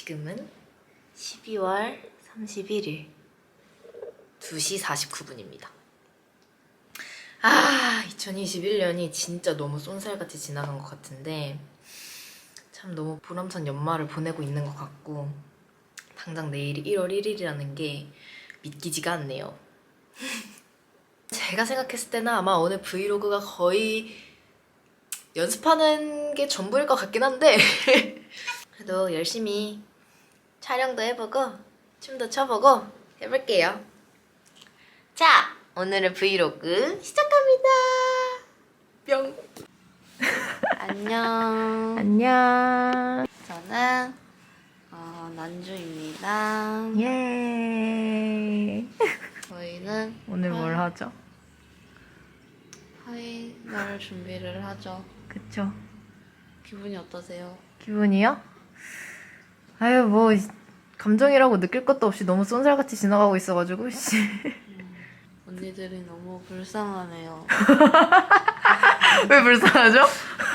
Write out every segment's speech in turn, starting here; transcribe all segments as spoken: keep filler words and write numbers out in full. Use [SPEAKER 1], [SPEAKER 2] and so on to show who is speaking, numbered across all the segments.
[SPEAKER 1] 지금은 십이월 삼십일일 두 시 사십구 분입니다. 아, 이천이십일 년이 진짜 너무 쏜살같이 지나간 것 같은데 참 너무 보람찬 연말을 보내고 있는 것 같고 당장 내일이 일월 일일이라는 게 믿기지가 않네요. 제가 생각했을 때는 아마 오늘 브이로그가 거의 연습하는 게 전부일 것 같긴 한데 그래도 열심히 촬영도 해보고 춤도 춰보고 해볼게요. 자, 오늘의 브이로그 시작합니다. 뿅.
[SPEAKER 2] 안녕.
[SPEAKER 1] 안녕.
[SPEAKER 2] 저는 어, 난주입니다.
[SPEAKER 1] 예.
[SPEAKER 2] 저희는
[SPEAKER 1] 오늘 뭘 하죠?
[SPEAKER 2] 파이널 준비를 하죠.
[SPEAKER 1] 그쵸.
[SPEAKER 2] 기분이 어떠세요?
[SPEAKER 1] 기분이요? 아유 뭐 감정이라고 느낄 것도 없이 너무 쏜살같이 지나가고 있어가지고 씨.
[SPEAKER 2] 음, 언니들이 너무 불쌍하네요.
[SPEAKER 1] 왜 불쌍하죠?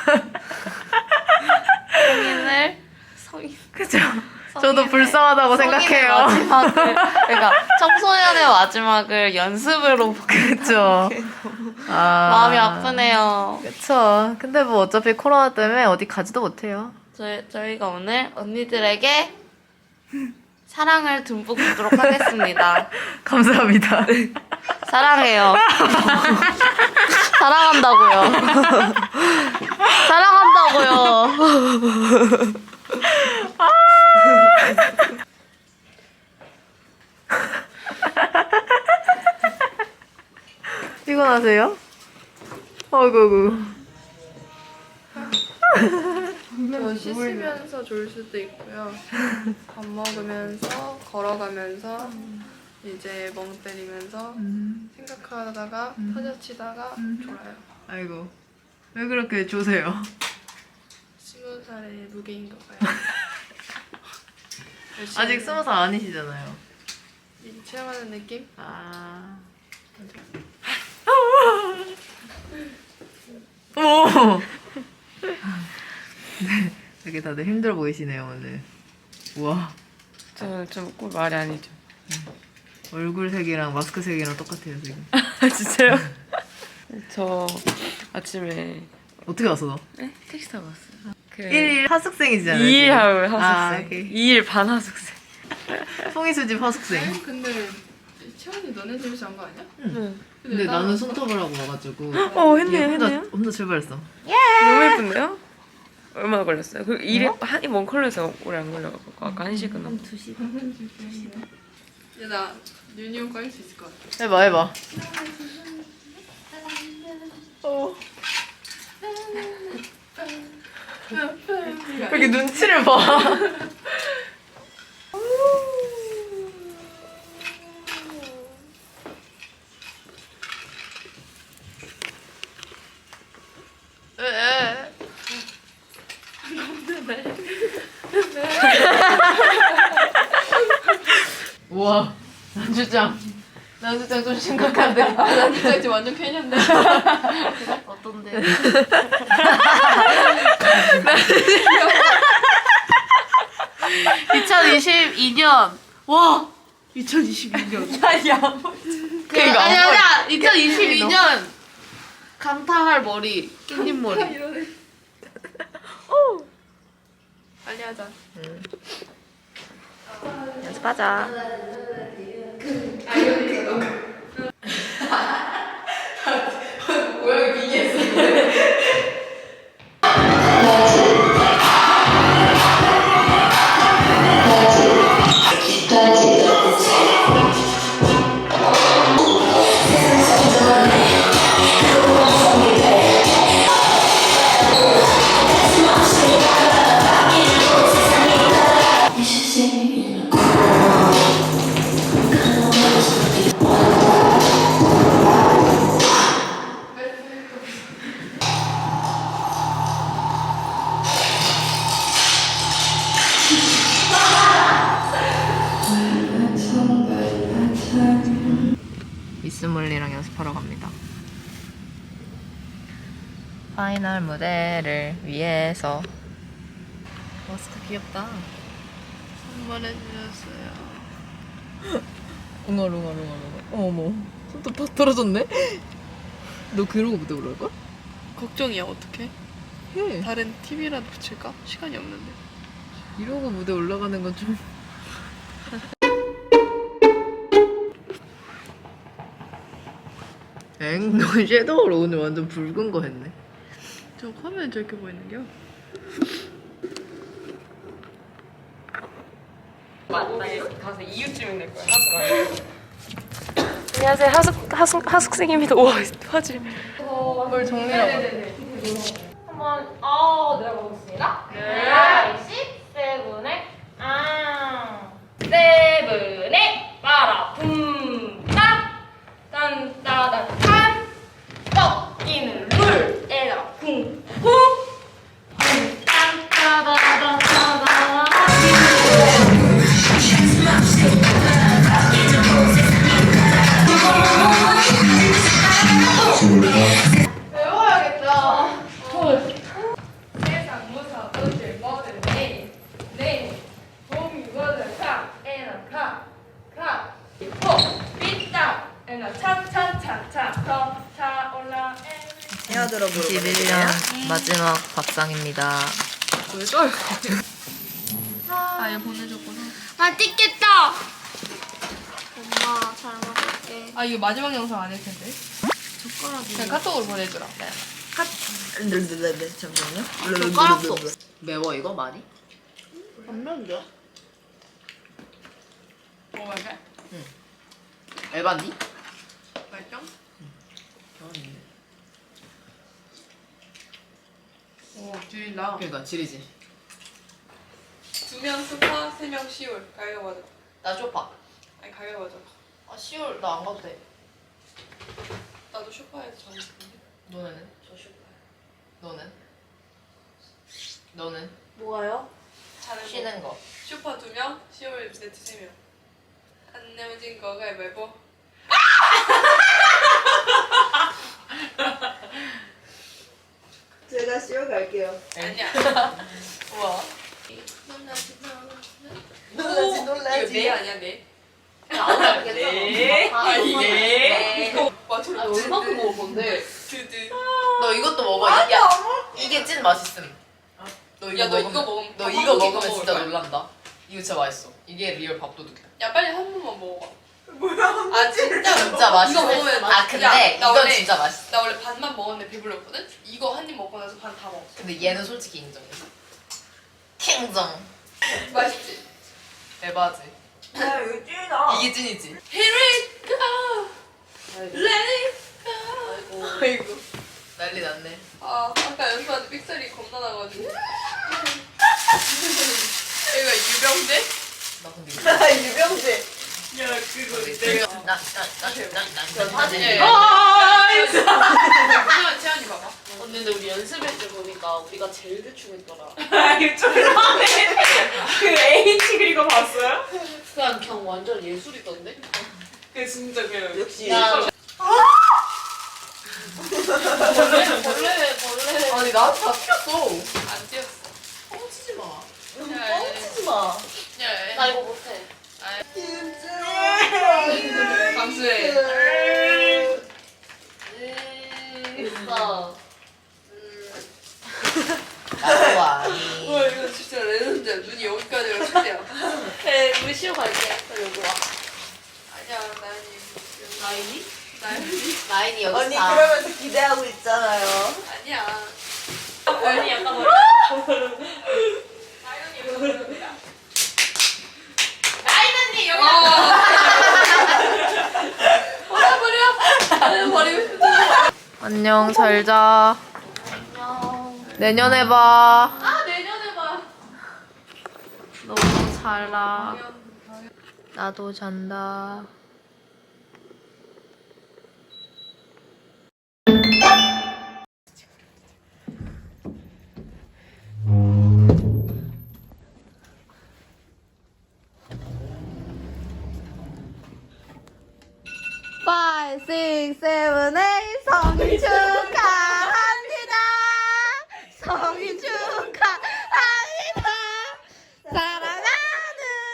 [SPEAKER 2] 성인을 성인
[SPEAKER 1] 그죠? 저도 불쌍하다고 생각해요.
[SPEAKER 2] 마지막을, 그러니까 청소년의 마지막을 연습으로
[SPEAKER 1] 그쵸. 아...
[SPEAKER 2] 마음이 아프네요.
[SPEAKER 1] 그쵸. 근데 뭐 어차피 코로나 때문에 어디 가지도 못해요.
[SPEAKER 2] 저희, 저희가 오늘 언니들에게 사랑을 듬뿍 주도록 하겠습니다.
[SPEAKER 1] 감사합니다.
[SPEAKER 2] 사랑해요. 사랑한다고요. 사랑한다고요.
[SPEAKER 1] 피곤하세요? 어이구
[SPEAKER 3] 저 씻으면서 졸 수도 있고요. 밥 먹으면서 걸어가면서 이제 멍 때리면서
[SPEAKER 1] 음.
[SPEAKER 3] 생각하다가
[SPEAKER 1] 음.
[SPEAKER 3] 타자치다가
[SPEAKER 1] 음.
[SPEAKER 3] 졸아요.
[SPEAKER 1] 아이고 왜 그렇게 조세요?
[SPEAKER 3] 스무 살의 무게인가 봐요.
[SPEAKER 1] 아직 스무 살 아니시잖아요.
[SPEAKER 3] 이 체험하는 느낌?
[SPEAKER 1] 아. 오. 네, 되게 다들 힘들어 보이시네요 오늘. 우와.
[SPEAKER 4] 저좀 말이 아니죠.
[SPEAKER 1] 얼굴 색이랑 마스크 색이랑 똑같아요 지금.
[SPEAKER 4] 진짜요? 저 아침에
[SPEAKER 1] 어떻게 왔어 너?
[SPEAKER 4] 네? 택시 타고 왔어요. 그
[SPEAKER 1] 일 일 하숙생이잖아요.
[SPEAKER 4] 이 일
[SPEAKER 1] 지금.
[SPEAKER 4] 하숙생.
[SPEAKER 1] 아, 오케이.
[SPEAKER 4] 이 일 반 하숙생.
[SPEAKER 1] 송이수집 하숙생.
[SPEAKER 3] 아니, 근데 채원이 너네 집에서 한 거 아니야?
[SPEAKER 4] 응.
[SPEAKER 1] 근데 나는 손톱을 하고 와가지고.
[SPEAKER 4] 어
[SPEAKER 1] 얘
[SPEAKER 4] 했네요
[SPEAKER 1] 혼자
[SPEAKER 4] 했네요.
[SPEAKER 1] 혼자 출발했어.
[SPEAKER 4] 너무 예쁜데요? 얼마나 걸렸어요? 그 일이 한이 먼 컬러에서 오래 안 걸려가지고 아까 한 시간 넘.
[SPEAKER 1] 두 시간.
[SPEAKER 3] 야, 나 유니온 꺼낼 수 있을 것 같아.
[SPEAKER 1] 해봐 해봐. 어. 왜 이렇게 눈치를 봐? 우와, 난주장. 난주장 좀 심각한데.
[SPEAKER 3] 아, 나 진짜 지금 완전 팬인데.
[SPEAKER 2] 어떤데? 이천이십이 년. 와! 이천이십이 년.
[SPEAKER 1] 야,
[SPEAKER 2] 그,
[SPEAKER 1] 그러니까
[SPEAKER 2] 아니,
[SPEAKER 1] 안
[SPEAKER 2] 아니야. 이천이십이 년. 강타할 머리. 깻잎 머리.
[SPEAKER 3] 이러네. 빨리 하자.
[SPEAKER 1] 연습하자. 모양이 빙의했어. 미스몰리랑 연습하러 갑니다. 파이널 무대를 위해서. 마스크 귀엽다.
[SPEAKER 2] 선물해주셨어요.
[SPEAKER 1] 웅얼웅얼웅얼웅얼. 어머, 손톱 팍 떨어졌네? 너 그러고 무대 올라올 거야?
[SPEAKER 2] 걱정이야, 어떡해?
[SPEAKER 1] 해.
[SPEAKER 2] 다른 티비라도 붙일까? 시간이 없는데.
[SPEAKER 1] 이러고 무대 올라가는 건 좀. 엥, 너 섀도우로 오늘 완전 붉은 거 했네.
[SPEAKER 2] 저 화면에 저렇게 보이는겨?
[SPEAKER 4] 가서 이웃집인 될 거야. 안녕하세요. 하숙 하숙 하숙생입니다. 와 화질.
[SPEAKER 1] 뭘 정리하고.
[SPEAKER 5] 한번 어 들어보겠습니다. 네. 세븐에 아 세븐에 빠라 붐딱 딴따단 꺾이는 룰 에라 쿵쿵 딴따다다다다 배워야겠다. 세상 무서운 뭐든 내, 내, 봄이 뭐든 카, 에는 카, 카, 포, 삐딱, 에는 차차차차, 더 차올라, 에.
[SPEAKER 1] 이십일 년 마지막 밥상입니다. 왜 떨?
[SPEAKER 2] 아, 얘 보내줬구나.
[SPEAKER 5] 맛있겠다. 엄마 잘 먹을게.
[SPEAKER 2] 아, 이거 마지막 영상 아닐 텐데.
[SPEAKER 5] 젓가락이.
[SPEAKER 2] 그냥 카톡으로 보내주라.
[SPEAKER 1] 잠시만요.
[SPEAKER 5] 젓가락도
[SPEAKER 1] 매워 이거 많이?
[SPEAKER 2] 안 매운데? 먹어야 돼?
[SPEAKER 1] 에바니?
[SPEAKER 2] 맛있죠? 오, 줄인다.
[SPEAKER 1] 그러니까 지리지.
[SPEAKER 3] 두 명 스파, 세 명 시올. 가위가 맞아.
[SPEAKER 1] 나 쇼파.
[SPEAKER 3] 아니 가위가 맞아.
[SPEAKER 1] 아 시월 나 안 가도 돼.
[SPEAKER 3] 나도 쇼파에서 정했는데.
[SPEAKER 1] 너네는? 저 쇼파. 너는? 너는?
[SPEAKER 5] 뭐가요?
[SPEAKER 3] 자는 거.
[SPEAKER 1] 쉬는 거.
[SPEAKER 3] 쇼파 두 명, 시올 네트 세 명. 안 내어진 거 가위바위보.
[SPEAKER 6] 제가 시어 갈게요.
[SPEAKER 3] 아니야.
[SPEAKER 1] 우와.
[SPEAKER 3] 놀라지
[SPEAKER 6] 놀라지
[SPEAKER 3] 이거
[SPEAKER 6] 놀라지.
[SPEAKER 3] 네 아니야 네.
[SPEAKER 5] 안 괜찮아.
[SPEAKER 3] 아 이게.
[SPEAKER 5] 네.
[SPEAKER 3] 맞아.
[SPEAKER 5] 아, 얼마큼 먹을 건데?
[SPEAKER 3] 드드.
[SPEAKER 1] 너 이것도 먹어. 야, 이게 찐 맛있음. 너 이거
[SPEAKER 3] 야, 너
[SPEAKER 1] 먹으면-
[SPEAKER 3] 이거 먹으면
[SPEAKER 1] 너
[SPEAKER 3] 밥
[SPEAKER 1] 이거
[SPEAKER 3] 한 공기
[SPEAKER 1] 먹으면
[SPEAKER 3] 더
[SPEAKER 1] 진짜
[SPEAKER 3] 먹을 거야.
[SPEAKER 1] 놀란다. 이거 진짜 맛있어. 이게 리얼 밥도둑이야.
[SPEAKER 3] 야 빨리 한 번만 먹어봐. 뭐야? 아 진짜
[SPEAKER 1] 진짜 맛있어.
[SPEAKER 3] 이거 먹으면
[SPEAKER 1] 아 근데
[SPEAKER 3] 야, 나
[SPEAKER 1] 이건
[SPEAKER 3] 원래-
[SPEAKER 1] 진짜 맛있어.
[SPEAKER 3] 나 원래 반만 먹었는데 배불렀거든? 이거 한 입 먹고 나서 반 다 먹었어.
[SPEAKER 1] 근데 얘는 솔직히 인정해. 킹정.
[SPEAKER 3] 맛있지?
[SPEAKER 1] 에바지.
[SPEAKER 6] 야 이거 찐이다.
[SPEAKER 1] 이게 찐이지.
[SPEAKER 3] Here it go, let it go. 아이고.
[SPEAKER 1] 난리 났네.
[SPEAKER 3] 아 아까 연수한테 삑사리 겁나 나가지고. 얘가 유병대?
[SPEAKER 1] 나 근데 이거.
[SPEAKER 6] 아, 유병재.
[SPEAKER 3] 야 그거
[SPEAKER 1] 내가 나나나나나
[SPEAKER 3] 사진에.
[SPEAKER 5] 아,
[SPEAKER 3] 잠시만 채연이 봐봐.
[SPEAKER 5] 언니 근데 우리 연습할 때 보니까 우리가 제일 대충 했더라.
[SPEAKER 4] 그 H 그리고 봤어요?
[SPEAKER 5] 그냥 그냥 완전 예술이던데?
[SPEAKER 4] 그 진짜 그
[SPEAKER 6] 역시.
[SPEAKER 5] 야. 벌레 벌레 벌레.
[SPEAKER 1] 아니 나한테 다 튀었어.
[SPEAKER 3] 안 뛰었어.
[SPEAKER 1] 뻥치지 마.
[SPEAKER 3] 야,
[SPEAKER 6] 뻥치지 마.
[SPEAKER 3] 야,
[SPEAKER 5] 나 이거 못해.
[SPEAKER 3] 감수해.
[SPEAKER 5] 됐어.
[SPEAKER 1] 나도 아니.
[SPEAKER 3] 와 이거 진짜 레전드야. 눈이 여기까지가 진짜야.
[SPEAKER 5] 그래 우리 시험 갈게. 여기 와.
[SPEAKER 3] 아니야 나연이.
[SPEAKER 5] 나인이?
[SPEAKER 3] 나연이?
[SPEAKER 1] 나인이 여기
[SPEAKER 6] 언니
[SPEAKER 1] 다.
[SPEAKER 6] 그러면서 기대하고 있잖아요.
[SPEAKER 3] 아니야.
[SPEAKER 5] 언니 약간 뭐.
[SPEAKER 3] 나연이 여기 모릅니다.
[SPEAKER 5] 나인 언니 여기.
[SPEAKER 3] 버려버려. 버리고.
[SPEAKER 1] 안녕 잘 자.
[SPEAKER 5] 안녕.
[SPEAKER 1] 내년에 봐.
[SPEAKER 5] 아 내년에 봐.
[SPEAKER 1] 너무 잘라. 나도 잔다.
[SPEAKER 6] five, six, seven, eight 성인 축하합니다. 성인 축하합니다. 사랑하는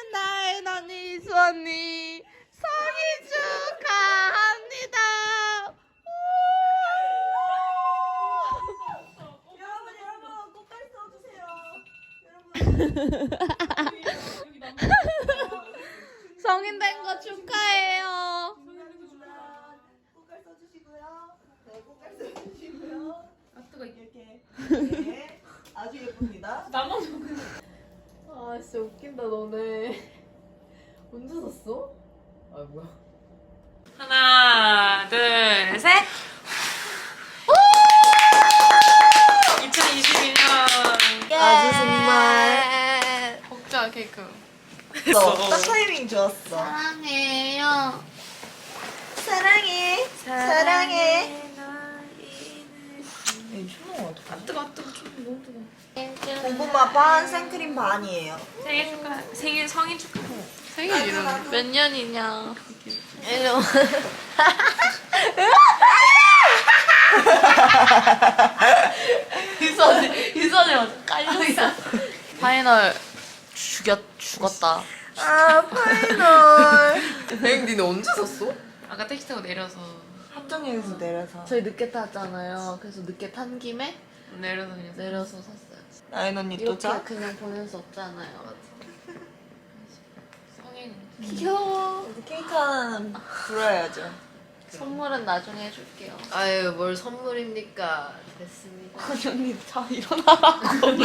[SPEAKER 6] 성인 된 거 축하해요.
[SPEAKER 7] 꽃갈 써주시고요. 네, 꽃갈 써주시고요.
[SPEAKER 2] 아 뜨거.
[SPEAKER 7] 이렇게 네, 아주 예쁩니다.
[SPEAKER 1] 아 진짜 웃긴다 너네. 언제 샀어? 아 뭐야?
[SPEAKER 4] 하나, 둘, 셋. 이천이십이 년.
[SPEAKER 7] 아주 정말
[SPEAKER 2] 먹자 케이크.
[SPEAKER 7] 너, 딱 타이밍 좋았어.
[SPEAKER 6] 사랑해요.
[SPEAKER 7] 사랑해, 사랑해. 에이, 추워.
[SPEAKER 2] 아 뜨거 아 뜨거 너무 뜨거.
[SPEAKER 7] 고구마 반, 생크림 반이에요.
[SPEAKER 4] 생일 축하. 생일 성인 축하.
[SPEAKER 2] 생일 이름 몇 년이냐?
[SPEAKER 1] 이러.
[SPEAKER 6] 유선이 유선이 완전 깔렸어.
[SPEAKER 2] 파이널 죽였 죽었다.
[SPEAKER 7] 아, 파이널.
[SPEAKER 1] 엥 니네 언제 샀어?
[SPEAKER 4] 아까 택시 타고 내려서
[SPEAKER 7] 합정역에서 내려서.
[SPEAKER 2] 저희 늦게 탔잖아요. 그래서 늦게 탄 김에
[SPEAKER 4] 내려서 그냥.
[SPEAKER 2] 내려서 샀어요.
[SPEAKER 7] 나인 언니 또
[SPEAKER 2] 이렇게
[SPEAKER 7] 자?
[SPEAKER 2] 그냥 보낼 수 없잖아요.
[SPEAKER 4] 성인.
[SPEAKER 2] 귀여워.
[SPEAKER 7] 우리 케이크 하나는 불어야죠.
[SPEAKER 2] 선물은 나중에 해줄게요.
[SPEAKER 1] 아유 뭘 선물입니까? 됐습니다.
[SPEAKER 2] 아니 언니 자 일어나라고.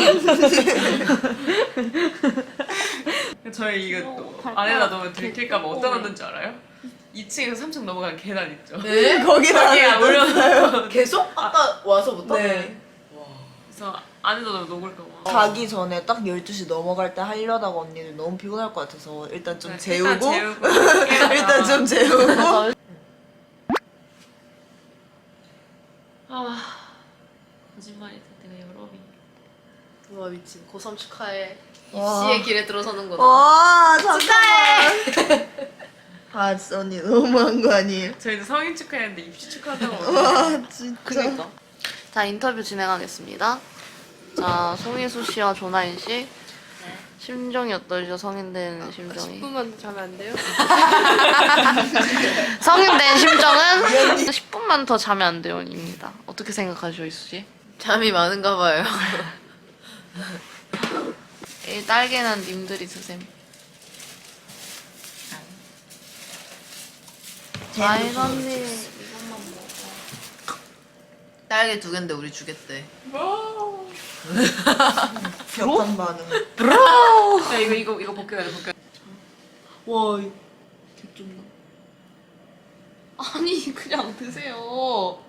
[SPEAKER 4] 저희 이거 또
[SPEAKER 2] 발가락
[SPEAKER 4] 안에다 넣으면
[SPEAKER 2] 이렇게
[SPEAKER 4] 들킬까봐 어디다
[SPEAKER 2] 뚜껑을.
[SPEAKER 4] 놨는지 알아요? 이 층에서 삼 층 넘어가는 계단 있죠?
[SPEAKER 1] 네?
[SPEAKER 7] 거기다
[SPEAKER 4] 거기에 올려놓고
[SPEAKER 1] 계속? 아까 와서부터?
[SPEAKER 7] 네.
[SPEAKER 4] 그래서 안에다 넣으면 녹을까봐.
[SPEAKER 7] 가기 전에 딱 열두 시 넘어갈 때 하려다가 언니들 너무 피곤할 것 같아서 일단 좀
[SPEAKER 4] 네,
[SPEAKER 7] 재우고
[SPEAKER 4] 일단 재우고
[SPEAKER 7] 일단 좀 재우고
[SPEAKER 4] 아 거짓말이다. 내가 여러분.
[SPEAKER 1] 와 미친 고삼 축하해.
[SPEAKER 7] 와.
[SPEAKER 1] 입시의 길에 들어서는구나.
[SPEAKER 7] 와 잠깐만 아 진짜 언니 너무한 거 아니에요?
[SPEAKER 4] 저희도 성인 축하했는데 입시 축하한다고.
[SPEAKER 7] 와 진짜
[SPEAKER 2] 그니까. 자 인터뷰 진행하겠습니다. 자 송혜수 씨와 조나인 씨 심정이 어떠시죠? 성인 된 심정이.
[SPEAKER 3] 십 분만 자면 안 돼요?
[SPEAKER 2] 성인 된 심정은 십 분만 더 자면 안 돼요입니다. 어떻게 생각하시죠, 이수 씨?
[SPEAKER 1] 잠이 많은가 봐요.
[SPEAKER 2] 이 딸기는 님들이 드셈. 아이 언니 이것만 먹어.
[SPEAKER 1] 딸기 두 개인데 우리 주겠대.
[SPEAKER 7] 격한 반응
[SPEAKER 4] 야 이거 이거 이거 벗겨야 돼 벗겨.
[SPEAKER 2] 와, 개쩐다. 아니 그냥 드세요.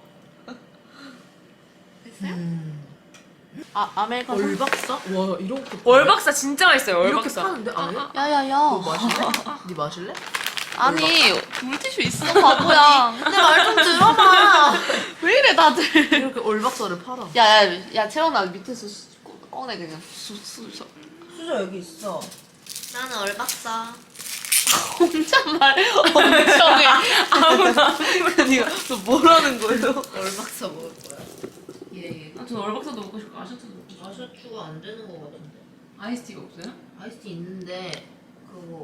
[SPEAKER 2] 됐어요? 아 아메리카노.
[SPEAKER 1] 얼박사? 와 이렇게
[SPEAKER 4] 월박사 진짜 맛있어요.
[SPEAKER 1] 이렇게
[SPEAKER 4] 월박사.
[SPEAKER 1] 파는데 안에?
[SPEAKER 2] 야야야.
[SPEAKER 1] 너 마실래? 네 마실래?
[SPEAKER 2] 아니 물티슈 있어 바보야.
[SPEAKER 1] 내 말 좀 들어봐.
[SPEAKER 2] 왜 이래 다들.
[SPEAKER 1] 이렇게 얼박사를 팔아.
[SPEAKER 2] 야야 야 채원아 밑에서 수- 꺼내 그냥 수수 수,
[SPEAKER 7] 수저 여기 있어
[SPEAKER 1] 나는 얼박사.
[SPEAKER 2] 혼잣말 엄청 해. 아무나. 그니까 너 뭐라는 거예요?
[SPEAKER 1] 얼박사 먹을 거야. 예.
[SPEAKER 4] 아, 저 월박사도 먹고 싶고 아셔트도 먹고 싶고.
[SPEAKER 1] 아셔추가 안 되는 거 같은데.
[SPEAKER 4] 아이스티가 없어요?
[SPEAKER 1] 아이스티 있는데 그거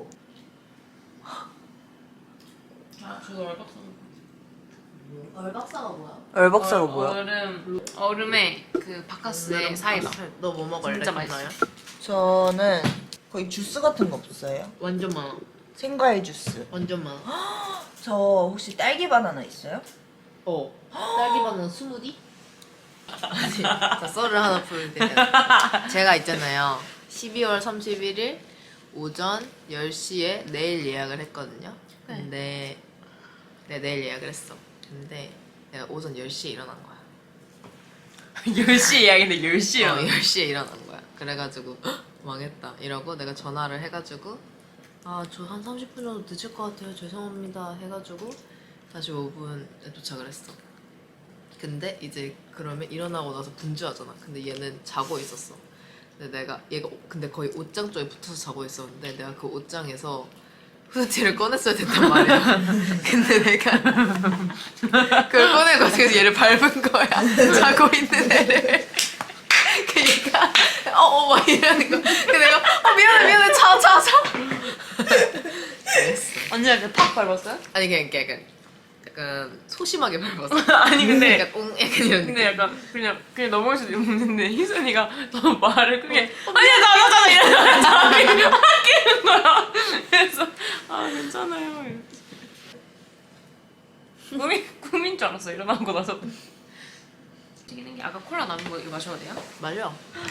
[SPEAKER 4] 아 저도 월박사 먹고.
[SPEAKER 1] 얼박사가 뭐야?
[SPEAKER 7] 얼박사가
[SPEAKER 4] 얼-
[SPEAKER 7] 뭐야?
[SPEAKER 4] 얼음 얼음에 그 바카스에 사이다.
[SPEAKER 1] 너 뭐 먹을래?
[SPEAKER 4] 진짜 맛있어.
[SPEAKER 1] 김나야?
[SPEAKER 7] 저는 거의 주스 같은 거 없어요?
[SPEAKER 1] 완전 많아.
[SPEAKER 7] 생과일 주스
[SPEAKER 1] 완전 많아.
[SPEAKER 7] 저 혹시 딸기 바나나 있어요?
[SPEAKER 1] 어. 딸기 바나나 스무디? 아니, 자 썰을 하나 풀게요. 제가 있잖아요. 십이월 삼십일일 오전 열 시에 내일 예약을 했거든요. 근데 네, 내일 예약을 했어. 근데 내가 오전 열 시에 일어난 거야.
[SPEAKER 4] 열 시 예약인데 열 시요.
[SPEAKER 1] 어, 열 시에 일어난 거야. 그래가지고 헉, 망했다 이러고 내가 전화를 해가지고 아 저 한 삼십 분 정도 늦을 것 같아요 죄송합니다 해가지고 사십오 분에 도착을 했어. 근데 이제 그러면 일어나고 나서 분주하잖아. 근데 얘는 자고 있었어. 근데 내가 얘가 근데 거의 옷장 쪽에 붙어서 자고 있었는데 내가 그 옷장에서 후드티를 꺼냈어야 됐단 말이야. 근데 내가 그걸 꺼내고 그래서 얘를 밟은 거야. 자고 있는 애를. 그 얘가 어어 막 이러는 거. 근데 내가 어 미안해 미안해 자 자 자. 그랬어.
[SPEAKER 2] 언니가 이렇게 팍 밟았어요?
[SPEAKER 1] 아니 그냥 그냥 그냥 약간 소심하게 밟았어.
[SPEAKER 4] 아니 근데
[SPEAKER 1] 약간 옹 약간 이런.
[SPEAKER 4] 근데 약간 그냥 그냥 넘어갈 수도 있는데 희선이가 더 말을 크게 아니야 나나잖아 이러면서 아끼는 거야. 그래서 아 괜찮아요. 꿈이 꿈인 줄 알았어 일어나고 나서. 튀기는 게 아까 콜라 남은 거 이거 마셔도 돼요?
[SPEAKER 1] 말려.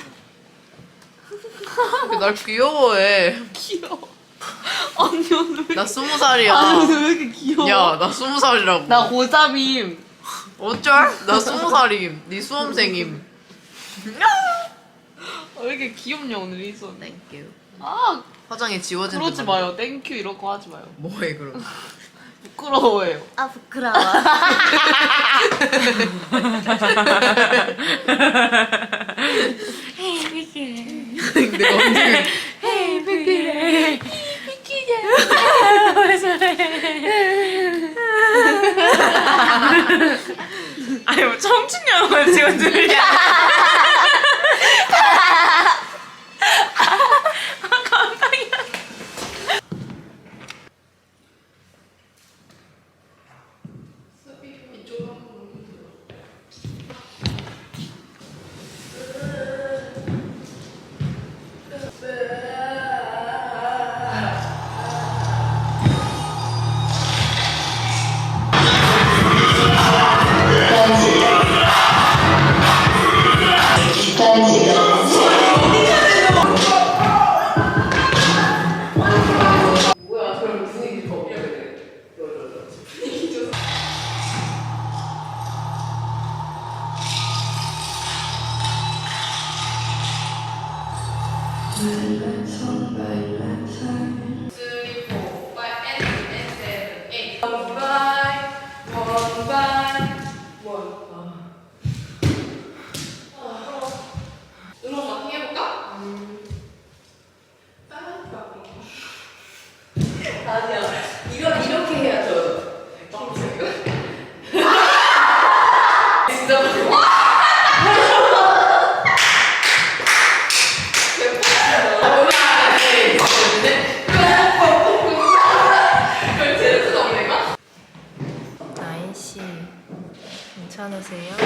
[SPEAKER 1] 날 귀여워해.
[SPEAKER 2] 귀여워. 언니 오늘
[SPEAKER 1] 나 스무 살이야.
[SPEAKER 2] 아니 오늘 왜 이렇게 귀여워?
[SPEAKER 1] 야, 나 스무 살이라고.
[SPEAKER 2] 나 고삼임.
[SPEAKER 1] 어쩔? 나 스무 살임. 네 수험생임.
[SPEAKER 2] 왜 이렇게 귀엽냐 오늘 희선.
[SPEAKER 1] 땡큐.
[SPEAKER 2] 아
[SPEAKER 1] 화장이 지워진
[SPEAKER 2] 그러지
[SPEAKER 1] 듯한
[SPEAKER 2] 마요. 땡큐 이런 거 하지 마요.
[SPEAKER 1] 뭐해 그럼?
[SPEAKER 2] 부끄러워해요.
[SPEAKER 7] 아 부끄러워.
[SPEAKER 1] 내가 언제
[SPEAKER 4] 아니 뭐 청춘영화 지금 들려.
[SPEAKER 3] 음악 막 해볼까?
[SPEAKER 1] 나인 씨 괜찮으세요?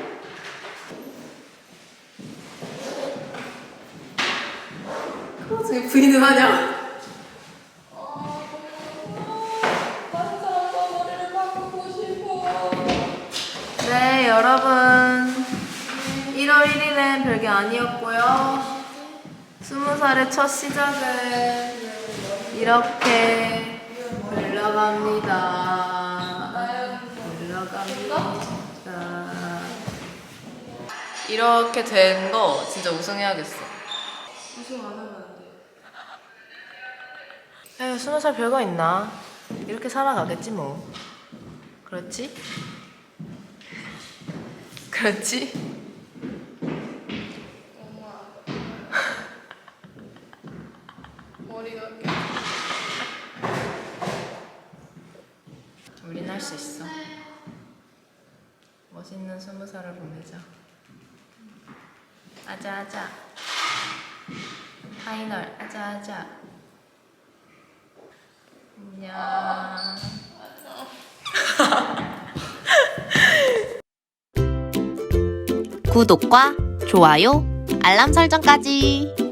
[SPEAKER 1] 저기 부인은 하냐? 네 여러분 일월 일일엔 별게 아니었고요. 스무 살의 첫 시작은 이렇게 흘러갑니다. 흘러갑니다. 이렇게 된 거 진짜 우승해야겠어. 우승 안 하면 안 돼. 에휴 스무 살 별거 있나? 이렇게 살아가겠지 뭐. 그렇지? 그렇지?
[SPEAKER 3] 머리가
[SPEAKER 1] 우린 할 수 있어. 멋있는 스무 살을 보내자. 아자아자. 파이널 아자아자. 안녕.
[SPEAKER 6] 구독과 좋아요, 알람 설정까지.